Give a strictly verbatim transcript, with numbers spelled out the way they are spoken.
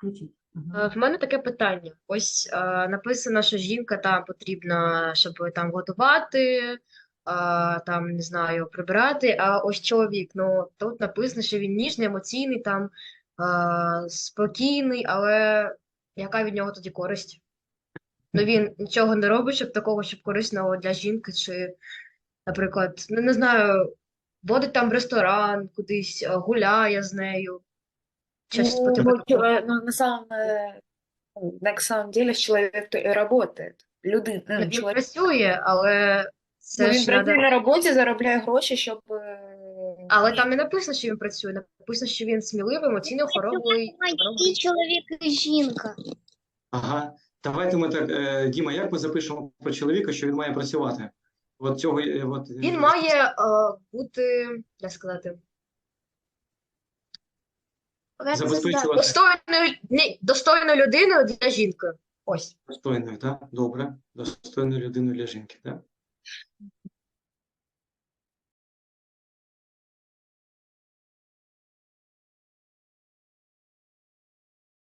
Включіть. Мгм. Е, В мене таке питання. Ось е, написано, що жінка там потрібна, щоб там готувати, е, там не знаю, прибирати. А ось чоловік, ну тут написано, що він ніжний, емоційний, там е, спокійний, але яка від нього тоді користь? Ну він нічого не робить, щоб такого, щоб корисного для жінки, чи, наприклад, ну не знаю, водить там в ресторан, кудись е, гуляє з нею. Щось по Ну, типу ну, такого. чё- ну, на самом, э, ну, на самом деле человек-то и работает. Люди, Ну, ну, він чоловік, працює, але ну, це він ж працює надо. на роботі, заробляє гроші, щоб е, Але там не написано, що він працює. Написано, що він сміливий, емоційно хоробрий. І хоробрий. чоловік, і жінка. Ага. Давайте ми так, е, Діма, як ми запишемо про чоловіка, що він має працювати? От цього, е, от, е, Він має е, бути, як сказати, забезпечувати достойною, ні, достойною людиною для жінки. Ось. достойною, так? Добре. Достойною людиною для жінки, так?